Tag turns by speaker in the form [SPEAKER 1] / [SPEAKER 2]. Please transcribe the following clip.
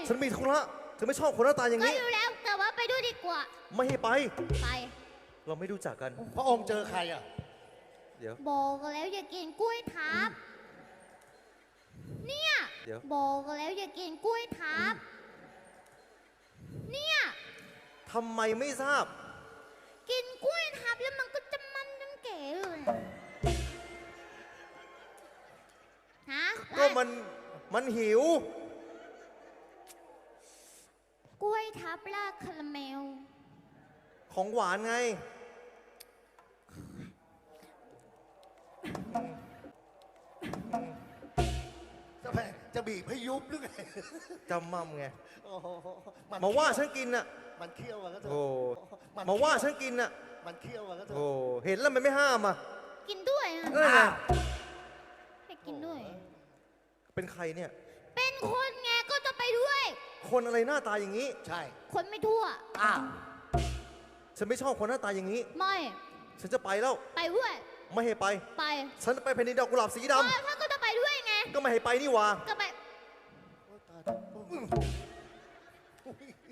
[SPEAKER 1] ฉันมีธุระฉันไม่ชอบคนหน้าตาอย่าง
[SPEAKER 2] ก็
[SPEAKER 1] นี้
[SPEAKER 2] อยู่แล้วแต่ว่าไปด้วยดีกว่า
[SPEAKER 1] ไม่ให้ไป
[SPEAKER 2] ไป
[SPEAKER 1] เราไม่รู้จักกัน
[SPEAKER 3] พระองค์เจอใครอ่ะ
[SPEAKER 1] เดี๋ยว
[SPEAKER 2] บอกแล้วอย่ากินกล้วยทับเนี่ย
[SPEAKER 1] เดี๋ยว
[SPEAKER 2] บอกแล้วอย่ากินกล้วยทับเนี่ย
[SPEAKER 1] ทำไมไม่ทราบ
[SPEAKER 2] กินกล้วยทับแล้วมันก็จะมันน้ำเก๋เลยฮะ
[SPEAKER 1] ก็มันหิว
[SPEAKER 2] กล้วยทับราดคาราเมล
[SPEAKER 1] ของหวานไง
[SPEAKER 3] จะบีบให้ยุบหรือไง
[SPEAKER 1] จำมั่มไง
[SPEAKER 3] โอ้โห
[SPEAKER 1] มาว่าฉันกินน่ะ
[SPEAKER 3] มันเคี้ยวอะก็เถอะ
[SPEAKER 1] โอ้
[SPEAKER 3] น
[SPEAKER 1] มาว่าฉันกินน่ะ
[SPEAKER 3] มันเคี้ยวอะก็เถ
[SPEAKER 1] โอ้
[SPEAKER 3] อะ
[SPEAKER 1] เห็นแล้วมันไม่ห้ามอ่ะ
[SPEAKER 2] กินด้วยอะ
[SPEAKER 1] เออไง
[SPEAKER 2] ให้กินด้วย
[SPEAKER 1] เป็นใครเนี่ย
[SPEAKER 2] เป็นคนไงก็จะไปด้วย
[SPEAKER 1] คนอะไรหน้าตาอย่างนี้
[SPEAKER 3] ใช่
[SPEAKER 2] คนไม่ทั่ว
[SPEAKER 3] อ้าว
[SPEAKER 1] ฉันไม่ชอบคนหน้าตาอย่างนี้
[SPEAKER 2] ไม่
[SPEAKER 1] ฉันจะไปแล้ว
[SPEAKER 2] ไปด้วย
[SPEAKER 1] ไม่ให้ไป
[SPEAKER 2] ไป
[SPEAKER 1] ฉันจะไปแผ่นดินดอกกุหลาบสีด
[SPEAKER 2] ถ้าก็จะไปด้วยไง
[SPEAKER 1] ำก็ไม่ให้ไปนี่หว่า
[SPEAKER 2] ก็ไป
[SPEAKER 3] โอ้ยตาย